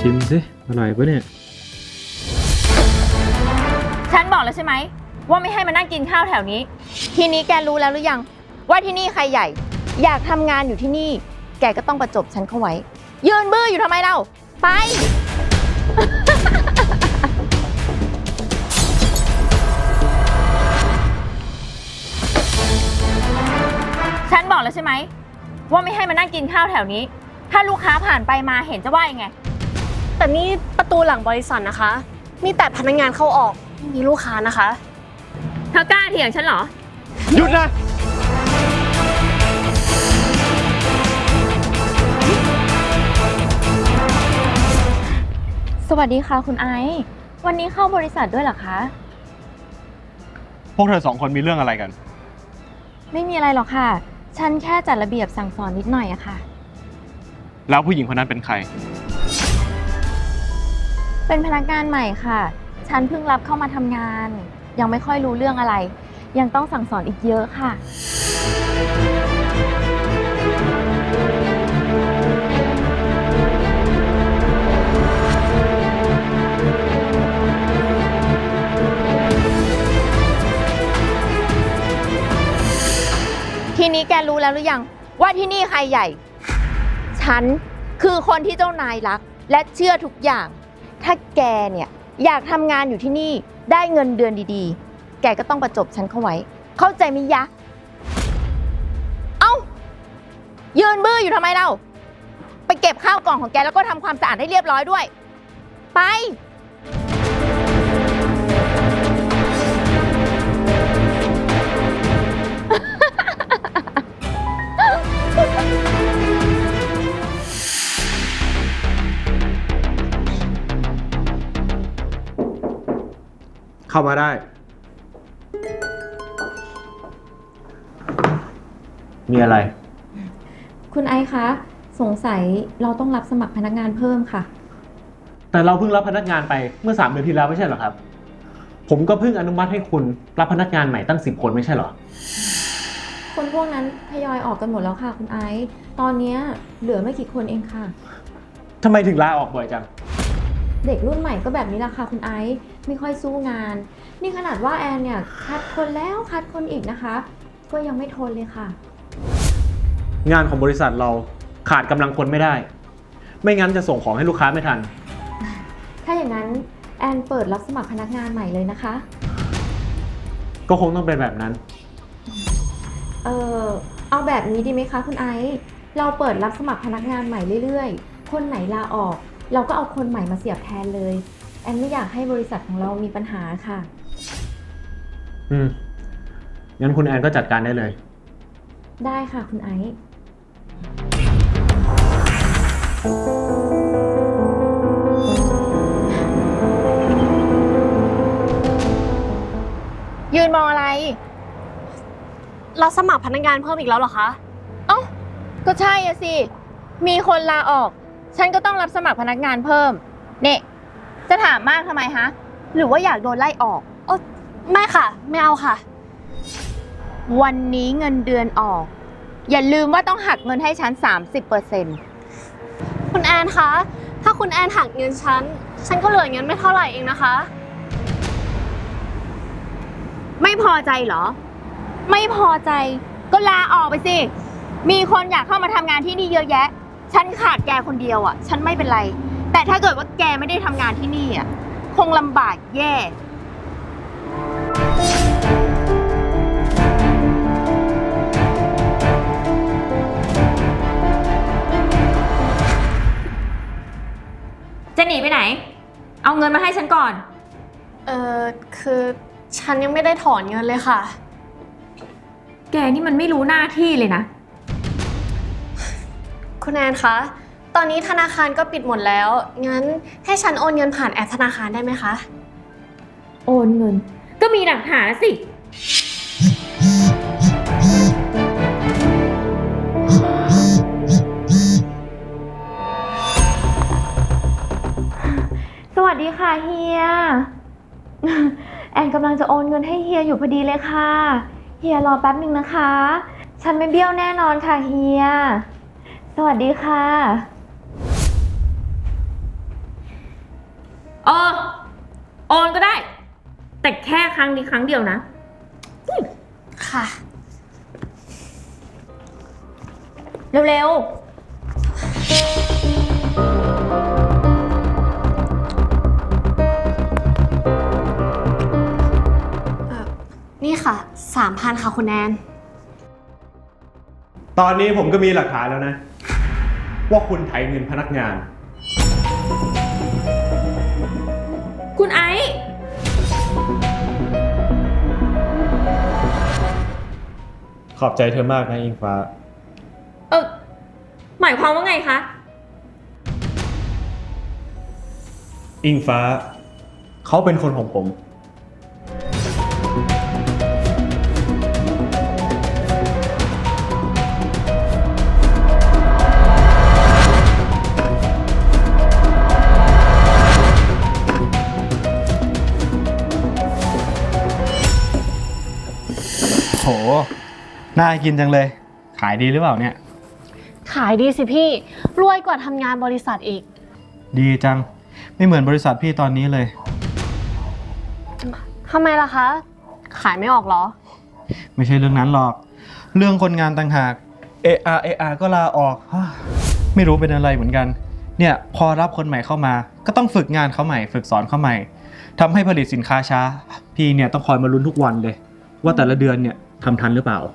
ชิมสิอร่อยปะเนี่ยฉันบอกแล้วใช่ไหมว่าไม่ให้มานั่งกินข้าวแถวนี้ทีนี้แกรู้แล้วหรือยังว่าที่นี่ใครใหญ่อยากทำงานอยู่ที่นี่แกก็ต้องประจบฉันเข้าไว้ยืนบื้ออยู่ทำไมเล่าไป ฉันบอกแล้วใช่ไหมว่าไม่ให้มานั่งกินข้าวแถวนี้ถ้าลูกค้าผ่านไปมาเห็นจะว่ายังไงแต่นี่ประตูหลังบริษัทนะคะมีแต่พนักงานเข้าออกไม่มีลูกค้านะคะเธอกล้าเถียงฉันเหรอหยุดนะสวัสดีค่ะคุณไอซ์วันนี้เข้าบริษัทด้วยเหรอคะพวกเธอสองคนมีเรื่องอะไรกันไม่มีอะไรหรอกค่ะฉันแค่จัดระเบียบสั่งสอนนิดหน่อยอะค่ะแล้วผู้หญิงคนนั้นเป็นใครเป็นพนักงานใหม่ค่ะฉันเพิ่งรับเข้ามาทำงานยังไม่ค่อยรู้เรื่องอะไรยังต้องสั่งสอนอีกเยอะค่ะทีนี้แกรู้แล้วหรือยังว่าที่นี่ใครใหญ่ฉันคือคนที่เจ้านายรักและเชื่อทุกอย่างถ้าแกเนี่ยอยากทำงานอยู่ที่นี่ได้เงินเดือนดีๆแกก็ต้องประจบฉันเข้าไว้เข้าใจมั้ยยะเอ้ายืนบื้ออยู่ทำไมเล่าไปเก็บข้าวกล่องของแกแล้วก็ทำความสะอาดให้เรียบร้อยด้วยไปเข้ามาได้มีอะไรคุณไอซ์คะสงสัยเราต้องรับสมัครพนักงานเพิ่มค่ะแต่เราเพิ่งรับพนักงานไปเมื่อ3 เดือนที่แล้วไม่ใช่เหรอครับผมก็เพิ่งอนุมัติให้คุณรับพนักงานใหม่ตั้ง10 คนไม่ใช่เหรอคนพวกนั้นทยอยออกกันหมดแล้วค่ะคุณไอซ์ตอนนี้เหลือไม่กี่คนเองค่ะทำไมถึงลาออกบ่อยจังเด็กรุ่นใหม่ก็แบบนี้แหละค่ะคุณไอซ์ไม่ค่อยสู้งานนี่ขนาดว่าแอนเนี่ยคัดคนแล้วคัดคนอีกนะคะก็ยังไม่ทนเลยค่ะงานของบริษัทเราขาดกำลังคนไม่ได้ไม่งั้นจะส่งของให้ลูกค้าไม่ทันถ้าอย่างนั้นแอนเปิดรับสมัครพนักงานใหม่เลยนะคะก็คงต้องเป็นแบบนั้นเอาแบบนี้ดีไหมคะคุณไอซ์เราเปิดรับสมัครพนักงานใหม่เรื่อยๆคนไหนลาออกเราก็เอาคนใหม่มาเสียบแทนเลยแอนไม่อยากให้บริษัทของเรามีปัญหาค่ะงั้นคุณแอนก็จัดการได้เลยได้ค่ะคุณไอซ์ยืนมองอะไรเราสมัครพนักงานเพิ่มอีกแล้วเหรอคะเอ้าก็ใช่อะสิมีคนลาออกฉันก็ต้องรับสมัครพนักงานเพิ่มเนี่ยจะถามมากทำไมฮะหรือว่าอยากโดนไล่ออกไม่ค่ะไม่เอาค่ะวันนี้เงินเดือนออกอย่าลืมว่าต้องหักเงินให้ฉัน 30% คุณแอนคะถ้าคุณแอนหักเงินฉันก็เหลือเงินไม่เท่าไหร่เองนะคะไม่พอใจเหรอไม่พอใจก็ลาออกไปสิมีคนอยากเข้ามาทำงานที่นี่เยอะแยะฉันขาดแกคนเดียวอ่ะฉันไม่เป็นไรแต่ถ้าเกิดว่าแกไม่ได้ทำงานที่นี่อ่ะคงลำบากแย่จะหนีไปไหนเอาเงินมาให้ฉันก่อนคือฉันยังไม่ได้ถอนเงินเลยค่ะแกนี่มันไม่รู้หน้าที่เลยนะคุณแอนคะตอนนี้ธนาคารก็ปิดหมดแล้วงั้นให้ฉันโอนเงินผ่านแอปธนาคารได้ไหมคะโอนเงินก็มีหลักฐานสิสวัสดีค่ะเฮียแอนกำลังจะโอนเงินให้เฮียอยู่พอดีเลยค่ะเฮียรอแป๊บหนึ่งนะคะฉันไม่เบี้ยวแน่นอนค่ะเฮียสวัสดีค่ะเออโอนก็ได้ แต่แค่ครั้งนี้ครั้งเดียวนะค่ะเร็วนี่ค่ะ 3,000 ค่ะคุณแอนตอนนี้ผมก็มีหลักฐานแล้วนะ ว่าคุณไถเงินพนักงานๆ คุณไอซ์ขอบใจเธอมากนะอิงฟ้าหมายความว่าไงคะอิงฟ้า เขาเป็นคนของผมโห น่ากินจังเลย ขายดีหรือเปล่าเนี่ยขายดีสิพี่ รวยกว่าทำงานบริษัทอีกดีจัง ไม่เหมือนบริษัทพี่ตอนนี้เลยทำไมล่ะคะ ขายไม่ออกเหรอไม่ใช่เรื่องนั้นหรอก เรื่องคนงานต่างหาก AR ก็ลาออก ไม่รู้เป็นอะไรเหมือนกัน เนี่ยพอรับคนใหม่เข้ามา ก็ต้องฝึกงานเขาใหม่ ฝึกสอนเขาใหม่ทำให้ผลิตสินค้าช้า พี่เนี่ยต้องคอยมาลุ้นทุกวันเลย ว่าแต่ละเดือนเนี่ยทำทันหรือเปล่า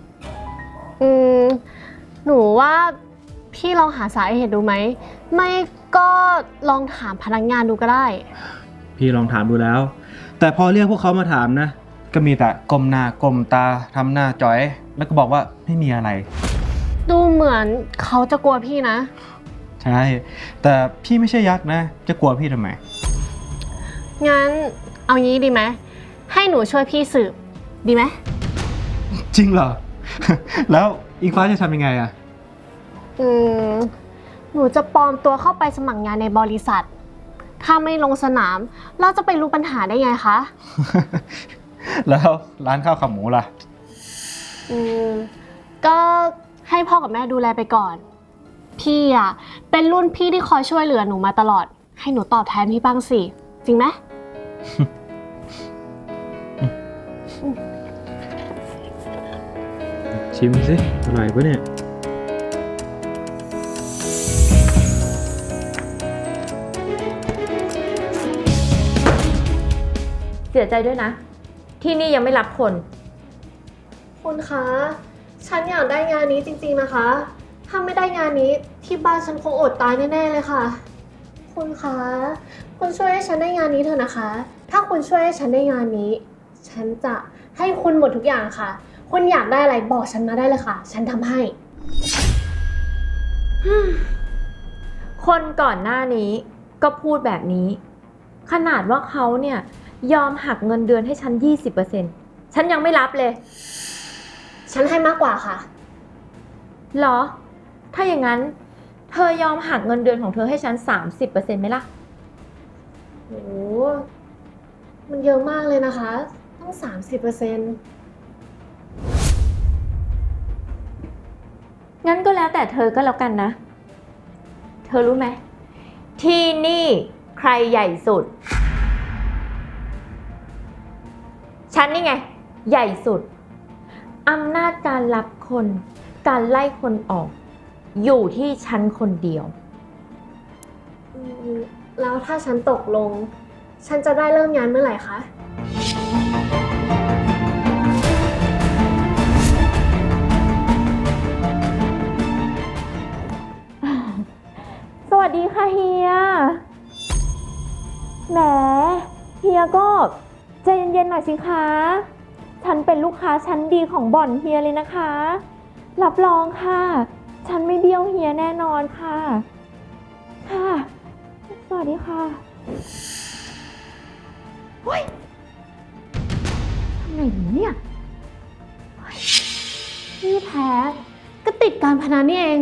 หนูว่าพี่ลองหาสาเหตุดูไหม ไม่ก็ลองถามพนักงานดูก็ได้พี่ลองถามดูแล้ว แต่พอเรียกพวกเขามาถามนะ ก็มีแต่ก้มหน้าก้มตาทำหน้าจ้อย แล้วก็บอกว่าไม่มีอะไรดูเหมือนเขาจะกลัวพี่นะใช่ แต่พี่ไม่ใช่ยักษ์นะ จะกลัวพี่ทำไมงั้นเอางี้ดีไหม ให้หนูช่วยพี่สืบ ดีไหมจริงเหรอ แล้วอิงฟ้าจะทำยังไงอะหนูจะปลอมตัวเข้าไปสมัครงานในบริษัท ถ้าไม่ลงสนาม เราจะไปรู้ปัญหาได้ไงคะแล้วร้านข้าวขาหมูล่ะก็ให้พ่อกับแม่ดูแลไปก่อน พี่อ่ะเป็นรุ่นพี่ที่คอยช่วยเหลือหนูมาตลอด ให้หนูตอบแทนพี่บ้างสิ จริงไหมชิมสิอร่อยปะเนี่ยเสียใจด้วยนะ ที่นี่ยังไม่รับคนคุณคะ ฉันอยากได้งานนี้จริงๆนะคะ ถ้าไม่ได้งานนี้ที่บ้านฉันคงอดตายแน่ๆเลยค่ะ คุณคะ คุณช่วยให้ฉันได้งานนี้เถอะนะคะ ถ้าคุณช่วยให้ฉันได้งานนี้ ฉันจะให้คุณหมดทุกอย่างค่ะ คุณอยากได้อะไรบอกฉันมาได้เลยค่ะ ฉันทำให้คนก่อนหน้านี้ก็พูดแบบนี้ ขนาดว่าเขาเนี่ยยอมหักเงินเดือนให้ฉัน 20%ฉันยังไม่รับเลยฉันให้มากกว่าค่ะเหรอ ถ้าอย่างนั้นเธอยอมหักเงินเดือนของเธอให้ฉัน 30%ไหมล่ะโห มันเยอะมากเลยนะคะ ต้อง 30% งั้นก็แล้วแต่เธอก็แล้วกันนะ เธอรู้ไหม ที่นี่ใครใหญ่สุด ฉันนี่ไง ใหญ่สุด อำนาจการรับคน การไล่คนออก อยู่ที่ฉันคนเดียวแล้วถ้าฉันตกลง ฉันจะได้เริ่มงานเมื่อไหร่คะสวัสดีค่ะเฮีย แหม เฮียก็ใจเย็นๆหน่อยสิคะ ฉันเป็นลูกค้าชั้นดีของบ่อนเฮียเลยนะคะ รับรองค่ะ ฉันไม่เบี้ยวเฮียแน่นอนค่ะ ค่ะ สวัสดีค่ะเฮ้ยทำไงดีเนี่ยที่แท้ก็ติดการพนันนี่เอง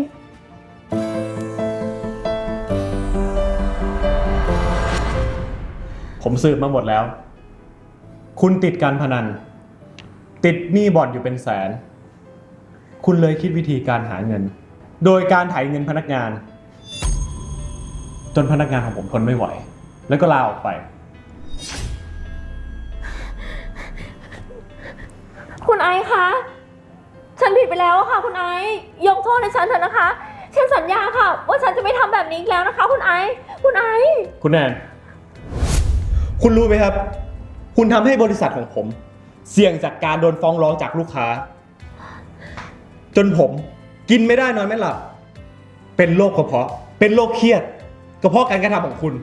ผมสืบมาหมดแล้ว คุณติดการพนัน ติดหนี้บ่อนอยู่เป็นแสน คุณเลยคิดวิธีการหาเงิน โดยการไถเงินพนักงาน จนพนักงานของผมทนไม่ไหว แล้วก็ลาออกไปอซ์คะ ฉันผิดไปแล้วค่ะคุณไอซ์ยกโทษให้ฉันเถอะนะคะ ฉันสัญญาค่ะ ว่าฉันจะไม่ทำแบบนี้อีกแล้วนะคะ คุณไอซ์คุณไอซ์คุณแอนคุณรู้ไหมครับ คุณทำให้บริษัทของผม เสี่ยงจากการโดนฟ้องร้องจากลูกค้า จนผมกินไม่ได้นอนไม่หลับ เป็นโรคกระเพาะ เป็นโรคเครียดก็เพราะการกระทำของคุณ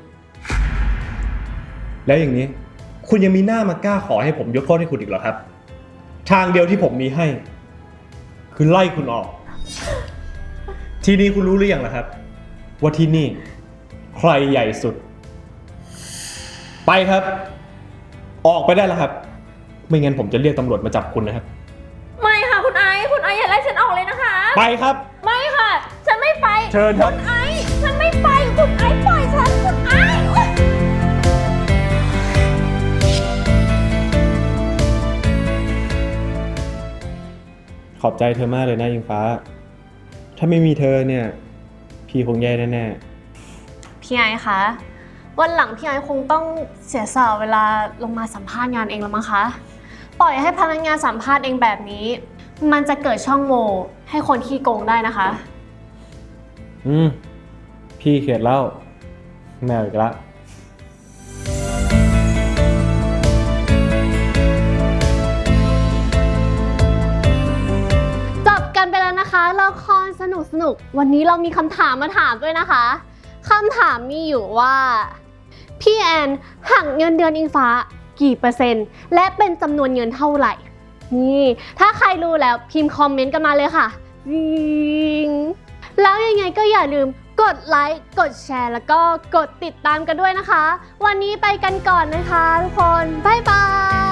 แล้วอย่างนี้ คุณยังมีหน้ามากล้าขอให้ผมยกโทษให้คุณอีกเหรอครับ ทางเดียวที่ผมมีให้ คือไล่คุณออก ทีนี้คุณรู้หรือยังล่ะครับ ว่าที่นี่ใครใหญ่สุด ไปครับ ออกไปได้แล้วครับ ไม่งั้นผมจะเรียกตำรวจมาจับคุณนะครับไม่ค่ะคุณไอซ์อย่าไล่ฉันออกเลยนะคะไปครับไม่ค่ะ ฉันไม่ไปเชิญครับคุณไอซ์ฉันไม่ไปคุณไอซ์ปล่อยฉันคุณไอซ์โอ๊ยขอบใจเธอมากเลยนะอิงฟ้า ถ้าไม่มีเธอเนี่ย พี่คงแย่แน่พี่ไอซ์คะ วันหลังพี่ไอซ์คงต้องเสียสละเวลาลงมาสัมภาษณ์งานเองแล้วมั้งคะ ปล่อยให้พนักงานสัมภาษณ์เองแบบนี้ มันจะเกิดช่องโหว่ให้คนขี้โกงได้นะคะพี่เขียดเล่าแมวอีกละจบกันไปแล้วนะคะละครสนุกวันนี้เรามีคำถามมาถามด้วยนะคะคำถามมีอยู่ว่าพี่แอนหักเงินเดือนอิงฟ้ากี่เปอร์เซ็นต์และเป็นจำนวนเงินเท่าไหร่นี่ถ้าใครรู้แล้วพิมพ์คอมเมนต์กันมาเลยค่ะวิงแล้วยังไงก็อย่าลืมกดไลค์กดแชร์แล้วก็กดติดตามกันด้วยนะคะวันนี้ไปกันก่อนนะคะทุกคนบ๊ายบาย